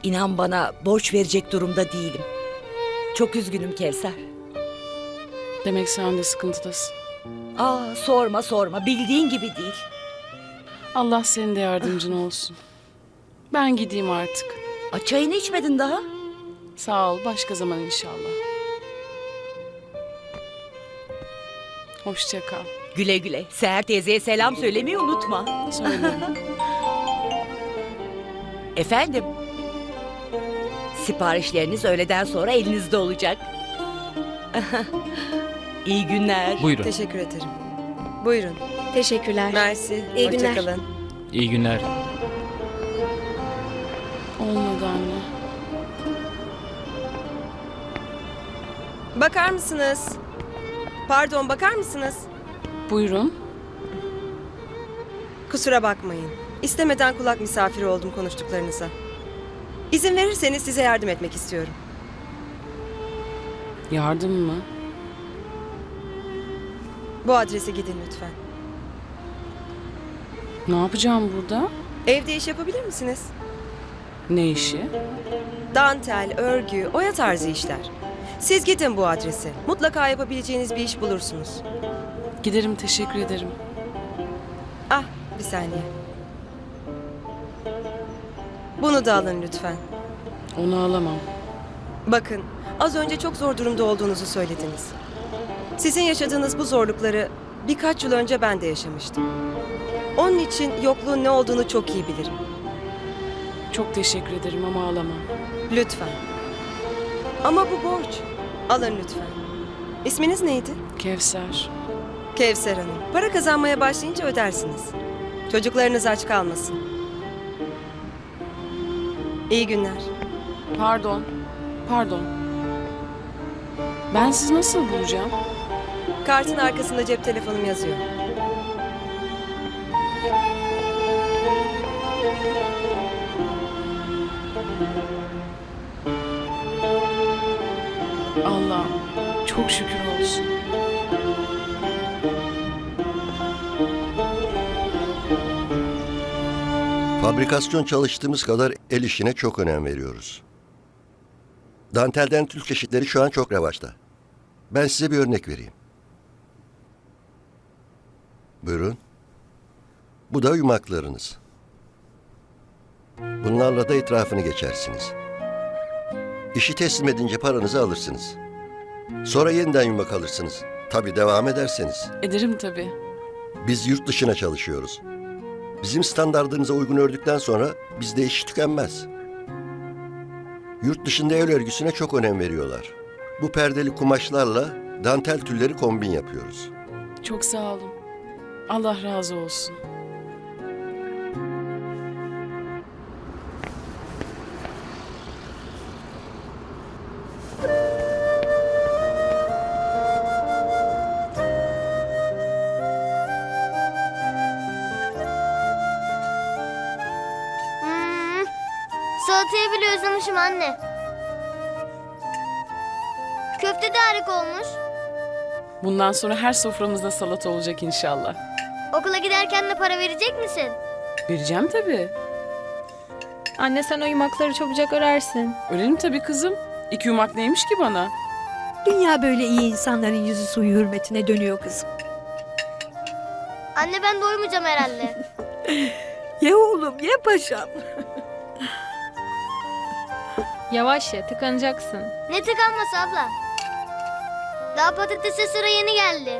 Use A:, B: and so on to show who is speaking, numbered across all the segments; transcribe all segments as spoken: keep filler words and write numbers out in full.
A: İnan bana borç verecek durumda değilim. Çok üzgünüm Kevser.
B: Demek sen de sıkıntıdasın.
A: Aa, sorma sorma, bildiğin gibi değil.
B: Allah senin de yardımcın olsun. Ben gideyim artık.
A: Aa, çayını içmedin daha.
B: Sağ ol, başka zaman inşallah. Hoşça kal.
A: Güle güle. Seher teyzeye selam söylemeyi unutma.
B: Söylerim.
A: Efendim? Siparişleriniz öğleden sonra elinizde olacak. İyi günler.
C: Buyurun.
D: Teşekkür ederim. Buyurun.
E: Teşekkürler.
D: Mersi.
E: İyi
D: Hoşça
E: günler.
D: kalın.
C: İyi günler.
B: Olmadı anne.
D: Bakar mısınız? Pardon, bakar mısınız?
B: Buyurun.
D: Kusura bakmayın. İstemeden kulak misafiri oldum konuştuklarınıza. İzin verirseniz size yardım etmek istiyorum.
B: Yardım mı?
D: Bu adrese gidin lütfen.
B: Ne yapacağım burada?
D: Evde iş yapabilir misiniz?
B: Ne işi?
D: Dantel, örgü, oya tarzı işler. Siz gidin bu adrese. Mutlaka yapabileceğiniz bir iş bulursunuz.
B: Giderim, teşekkür ederim.
D: Ah, bir saniye. Bunu da alın lütfen.
B: Onu alamam.
D: Bakın, az önce çok zor durumda olduğunuzu söylediniz. Sizin yaşadığınız bu zorlukları birkaç yıl önce ben de yaşamıştım. Onun için yokluğun ne olduğunu çok iyi bilirim.
B: Çok teşekkür ederim ama alamam.
D: Lütfen. Ama bu borç. Alın lütfen. İsminiz neydi?
B: Kevser.
D: Kevser Hanım. Para kazanmaya başlayınca ödersiniz. Çocuklarınız aç kalmasın. İyi günler.
B: Pardon. Pardon. Ben sizi nasıl bulacağım?
D: Kartın arkasında cep telefonum yazıyor.
B: Allah, çok şükür olsun.
F: Fabrikasyon çalıştığımız kadar el işine çok önem veriyoruz. Dantelden tül çeşitleri şu an çok revaçta. Ben size bir örnek vereyim. Buyurun. Bu da yumaklarınız. Bunlarla da etrafını geçersiniz. İşi teslim edince paranızı alırsınız. Sonra yeniden yumak alırsınız. Tabii devam ederseniz.
B: Ederim tabii.
F: Biz yurt dışına çalışıyoruz. Bizim standardınıza uygun ördükten sonra bizde iş tükenmez. Yurt dışında el örgüsüne çok önem veriyorlar. Bu perdeli kumaşlarla dantel tülleri kombin yapıyoruz.
B: Çok sağ olun. Allah razı olsun.
E: Hmm, salatayı bile özlemişim anne. Köfte de harika olmuş.
B: Bundan sonra her soframızda salata olacak inşallah.
E: Okula giderken de para verecek misin?
B: Vereceğim tabii.
G: Anne sen o yumakları çabucak örersin.
B: Örelim tabii kızım. İki yumak neymiş ki bana?
H: Dünya böyle iyi insanların yüzü suyu hürmetine dönüyor kızım.
E: Anne ben doymayacağım herhalde.
H: Ye oğlum ye paşam.
G: Yavaş ye tıkanacaksın.
E: Ne tıkanması abla? Daha patatese sıra yeni geldi.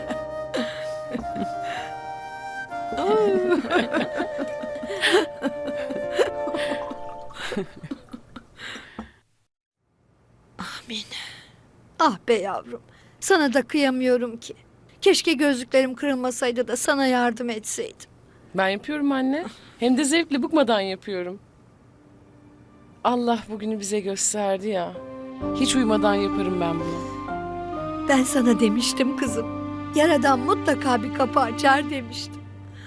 H: Amin. Ah be yavrum. Sana da kıyamıyorum ki. Keşke gözlüklerim kırılmasaydı da sana yardım etseydim.
B: Ben yapıyorum anne. Hem de zevkle bıkmadan yapıyorum. Allah bugünü bize gösterdi ya. Hiç uyumadan yaparım ben bunu.
H: Ben sana demiştim kızım. Yaradan mutlaka bir kapı açar demiştim.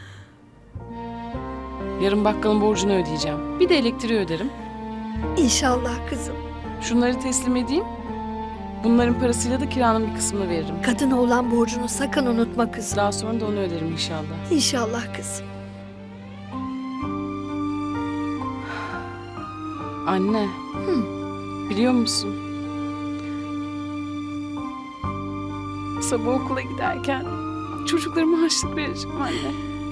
B: Yarın bakkalın borcunu ödeyeceğim. Bir de elektriği öderim.
H: İnşallah kızım.
B: Şunları teslim edeyim. Bunların parasıyla da kiranın bir kısmını veririm.
H: Kadına olan borcunu sakın unutma kızım.
B: Daha sonra da onu öderim inşallah.
H: İnşallah kızım.
B: Anne. Biliyor musun? Sabah okula giderken çocuklarıma harçlık vereceğim anne.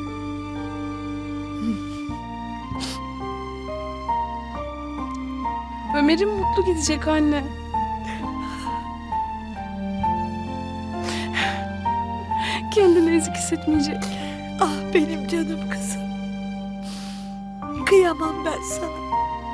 B: Ömer'im mutlu gidecek anne. Kendini ezik hissetmeyecek.
H: Ah benim canım kızım. Kıyamam ben sana.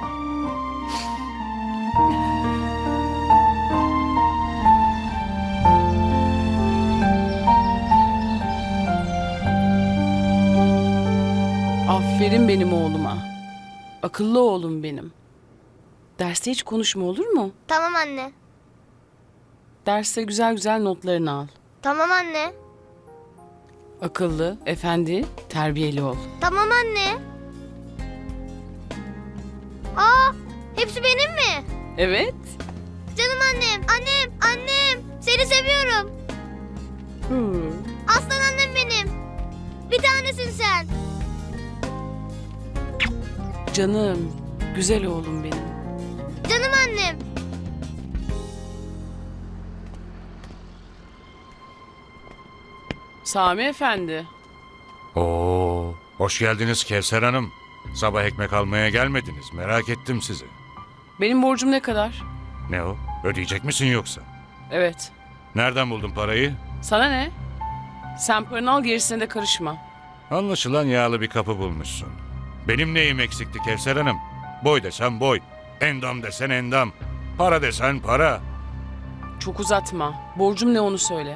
B: Aferin benim oğluma. Akıllı oğlum benim. Derste hiç konuşma, olur mu?
E: Tamam anne.
B: Derste güzel güzel notlarını al.
E: Tamam anne.
B: Akıllı, efendi, terbiyeli ol.
E: Tamam anne. Aa, hepsi benim mi?
B: Evet.
E: Canım annem, annem, annem. Seni seviyorum.
B: Hmm.
E: Aslan annem benim. Bir tanesin sen.
B: Canım, güzel oğlum benim.
E: Canım annem.
B: Sami efendi.
C: Oo, hoş geldiniz Kevser Hanım. Sabah ekmek almaya gelmediniz. Merak ettim sizi.
B: Benim borcum ne kadar?
C: Ne o? Ödeyecek misin yoksa?
B: Evet.
C: Nereden buldun parayı?
B: Sana ne? Sen paranı al, gerisine de karışma.
C: Anlaşılan yağlı bir kapı bulmuşsun. Benim neyim eksikti Kevser Hanım? Boy desen boy. Endam desen endam. Para desen para.
B: Çok uzatma. Borcum ne onu söyle.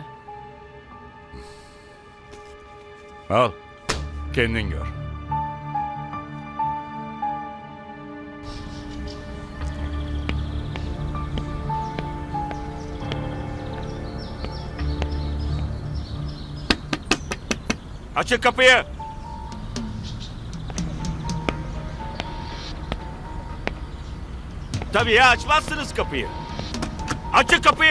C: Al. Kendin gör. Açın kapıyı.
I: Tabii ya, açmazsınız kapıyı. Açın kapıyı.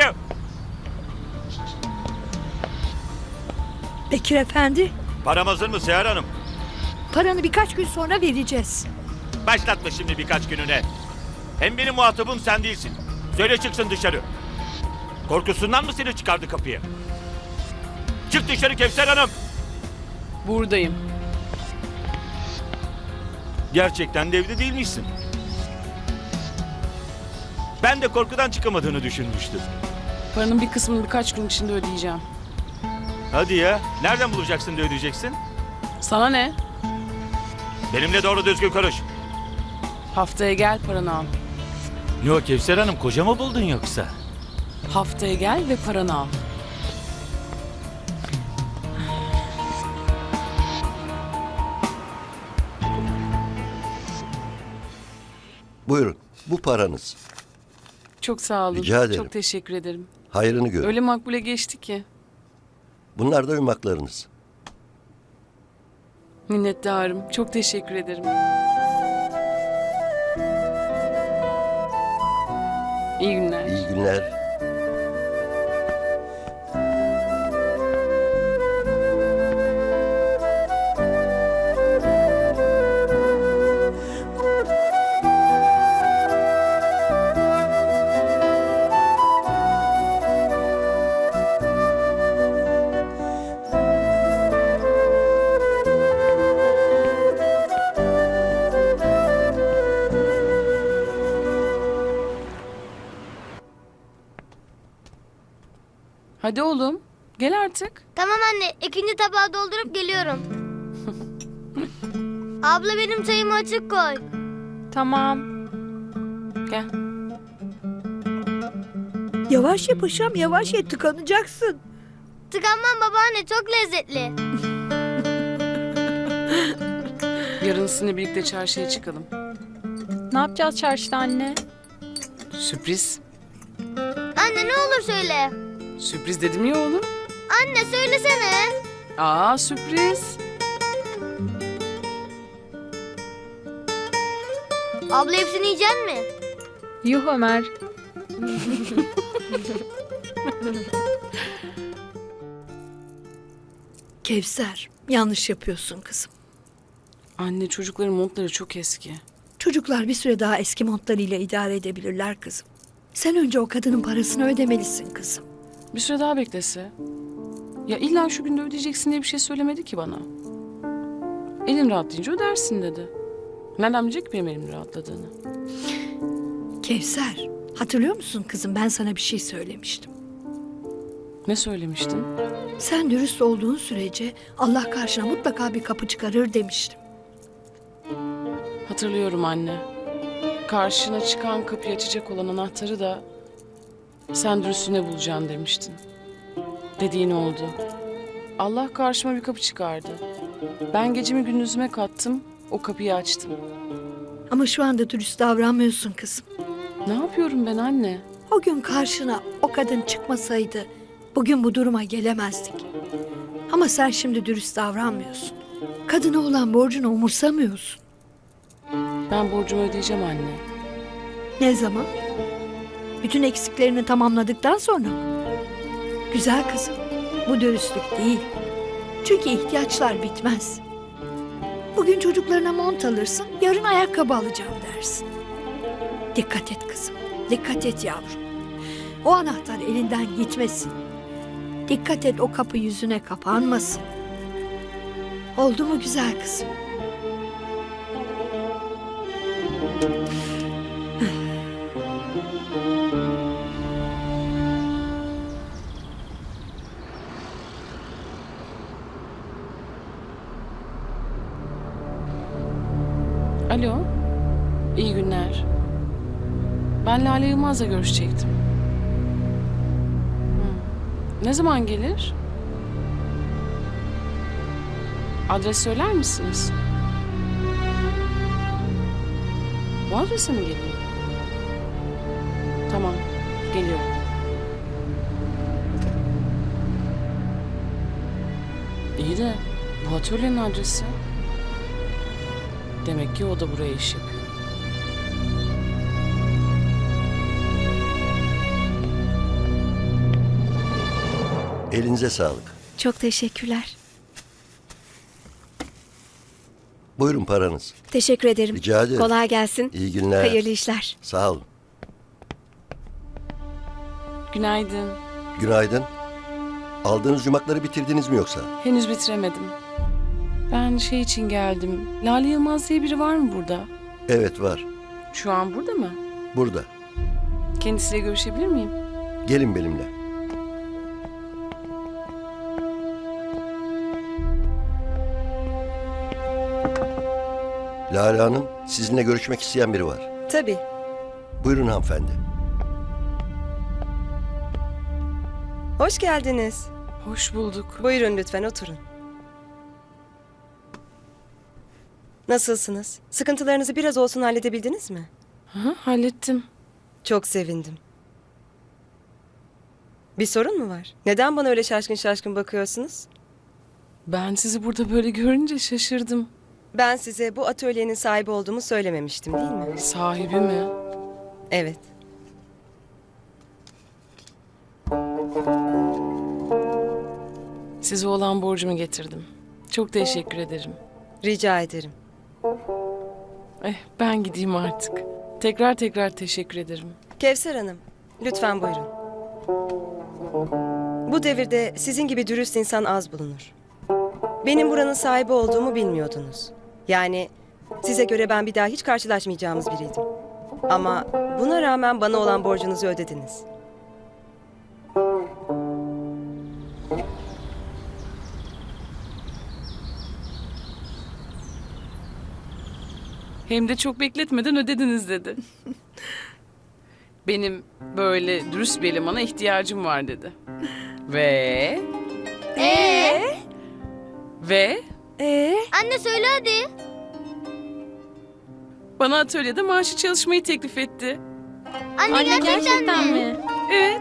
H: Bekir Efendi,
I: Param hazır mı Seher Hanım?
H: paranı birkaç gün sonra vereceğiz.
I: Başlatma şimdi birkaç gününe. Hem benim muhatabım sen değilsin. Söyle çıksın dışarı. Korkusundan mı seni çıkardı kapıya? Çık dışarı Kevser Hanım.
B: Buradayım.
I: Gerçekten de evde değilmişsin. Ben de korkudan çıkamadığını düşünmüştüm.
B: Paranın bir kısmını birkaç gün içinde ödeyeceğim.
I: Hadi ya. Nereden bulacaksın da ödeyeceksin?
B: Sana ne?
I: Benimle doğru düzgün konuş.
B: Haftaya gel, paranı al.
I: Yok Kevser Hanım, koca mı buldun yoksa?
B: Haftaya gel ve paranı al.
F: Buyurun, bu paranız.
B: Çok sağ olun.
F: Rica ederim.
B: Çok teşekkür ederim.
F: Hayrını görün.
B: Öyle makbule geçti ki.
F: Bunlar da ırmaklarınız.
B: Minnettarım. Çok teşekkür ederim. İyi günler.
F: İyi günler.
B: Hadi oğlum. Gel artık.
E: Tamam anne, ikinci tabağı doldurup geliyorum. Abla benim çayımı açık koy.
G: Tamam.
B: Gel.
H: Yavaş ye paşam, yavaş ye, tıkanacaksın.
E: Tıkanmam babaanne, çok lezzetli.
B: Yarın sizinle birlikte çarşıya çıkalım.
G: Ne yapacağız çarşıda anne?
B: Sürpriz.
E: Anne ne olur söyle.
B: Sürpriz dedim ya oğlum.
E: Anne söylesene.
B: Aa, sürpriz.
E: Abla hepsini yiyecek mi?
G: Yuh Ömer.
H: Kevser, yanlış yapıyorsun kızım.
B: Anne, çocukların montları çok eski.
H: Çocuklar bir süre daha eski montlarıyla idare edebilirler kızım. Sen önce o kadının parasını ödemelisin kızım.
B: Bir süre daha beklese. Ya illa şu günde ödeyeceksin diye bir şey söylemedi ki bana. Elin rahatlayınca ödersin dedi. Nereden bilecek benim elimin rahatladığını?
H: Kevser, hatırlıyor musun kızım, ben sana bir şey söylemiştim.
B: Ne söylemiştin?
H: Sen dürüst olduğun sürece Allah karşına mutlaka bir kapı çıkarır demiştim.
B: Hatırlıyorum anne. Karşına çıkan kapıyı açacak olan anahtarı da sen dürüstüne bulacaksın demiştin. Dediğin oldu. Allah karşıma bir kapı çıkardı. Ben gecemi gündüzüme kattım, o kapıyı açtım.
H: Ama şu anda dürüst davranmıyorsun kızım.
B: Ne yapıyorum ben anne?
H: O gün karşına o kadın çıkmasaydı bugün bu duruma gelemezdik. Ama sen şimdi dürüst davranmıyorsun. Kadına olan borcunu umursamıyorsun.
B: Ben borcumu ödeyeceğim anne.
H: Ne zaman? Bütün eksiklerini tamamladıktan sonra mı? Güzel kızım, bu dürüstlük değil. Çünkü ihtiyaçlar bitmez. Bugün çocuklarına mont alırsın, yarın ayakkabı alacağım dersin. Dikkat et kızım, dikkat et yavrum. O anahtar elinden gitmesin. Dikkat et o kapı yüzüne kapanmasın. Oldu mu güzel kızım?
B: Alo, iyi günler. Ben Lale Yılmaz'la görüşecektim. Hı. Ne zaman gelir? Adres söyler misiniz? Bu adrese mi geleyim? Tamam, geliyorum. İyi de bu atölyenin adresi. Demek ki o da buraya iş yapıyor.
F: Elinize sağlık.
J: Çok teşekkürler.
F: Buyurun paranız.
J: Teşekkür ederim.
F: Rica ederim.
J: Kolay gelsin.
F: İyi günler.
J: Hayırlı işler.
F: Sağ olun.
B: Günaydın.
F: Günaydın. Aldığınız yumakları bitirdiniz mi yoksa?
B: Henüz bitiremedim. Ben şey için geldim. Lale Yılmaz diye biri var mı burada?
F: Evet var.
B: Şu an burada mı?
F: Burada.
B: Kendisiyle görüşebilir miyim?
F: Gelin benimle. Lale Hanım, sizinle görüşmek isteyen biri var.
D: Tabii.
F: Buyurun hanımefendi.
D: Hoş geldiniz.
B: Hoş bulduk.
D: Buyurun lütfen oturun. Nasılsınız? Sıkıntılarınızı biraz olsun halledebildiniz mi?
B: Hı, hallettim.
D: Çok sevindim. Bir sorun mu var? Neden bana öyle şaşkın şaşkın bakıyorsunuz?
B: Ben sizi burada böyle görünce şaşırdım.
D: Ben size bu atölyenin sahibi olduğumu söylememiştim değil mi?
B: Sahibi mi?
D: Evet.
B: Size olan borcumu getirdim. Çok teşekkür ederim.
D: Rica ederim.
B: Eh, ben gideyim artık. Tekrar tekrar teşekkür ederim.
D: Kevser Hanım, lütfen buyurun. Bu devirde sizin gibi dürüst insan az bulunur. Benim buranın sahibi olduğumu bilmiyordunuz. Yani size göre ben bir daha hiç karşılaşmayacağımız biriydim. Ama buna rağmen bana olan borcunuzu ödediniz.
B: Hem de çok bekletmeden ödediniz dedi. Benim böyle dürüst bir elemana ihtiyacım var dedi. Ve...
E: Ee?
B: Ve
H: Ee?
E: Anne söyle hadi.
B: bana atölyede maaşı çalışmayı teklif etti.
E: Anne,
G: Anne
E: gerçekten,
G: gerçekten
E: mi?
G: mi?
B: Evet.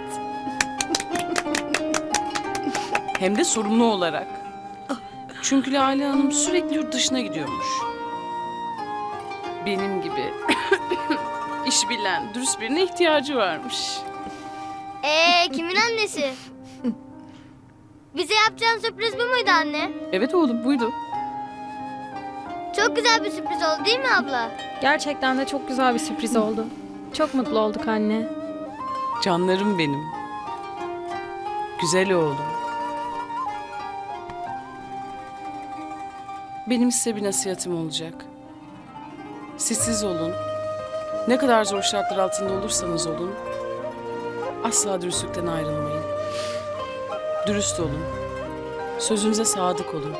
B: Hem de sorumlu olarak. Çünkü Lale Hanım sürekli yurt dışına gidiyormuş. Benim gibi iş bilen, dürüst birine ihtiyacı varmış.
E: Ee kimin annesi? Bize yapacağın sürpriz bu muydu anne?
B: Evet oğlum, buydu.
E: Çok güzel bir sürpriz oldu değil mi abla?
G: Gerçekten de çok güzel bir sürpriz oldu. Çok mutlu olduk anne.
B: Canlarım benim. Güzel oğlum. Benim size bir nasihatim olacak. Siz siz olun. Ne kadar zor şartlar altında olursanız olun. Asla dürüstlükten ayrılmayın. Dürüst olun. Sözünüze sadık olun.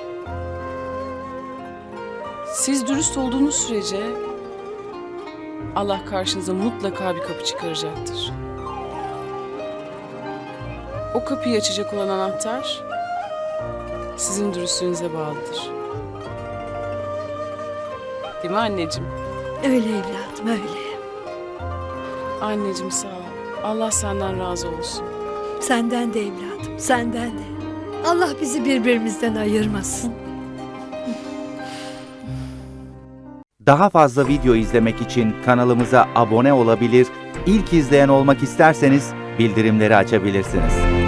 B: Siz dürüst olduğunuz sürece Allah karşınıza mutlaka bir kapı çıkaracaktır. O kapıyı açacak olan anahtar sizin dürüstlüğünüze bağlıdır. Değil mi anneciğim?
H: Öyle evladım öyle.
B: Anneciğim sağ ol. Allah senden razı olsun.
H: Senden de evladım, senden de. Allah bizi birbirimizden ayırmasın.
K: Daha fazla video izlemek için kanalımıza abone olabilir, ilk izleyen olmak isterseniz bildirimleri açabilirsiniz.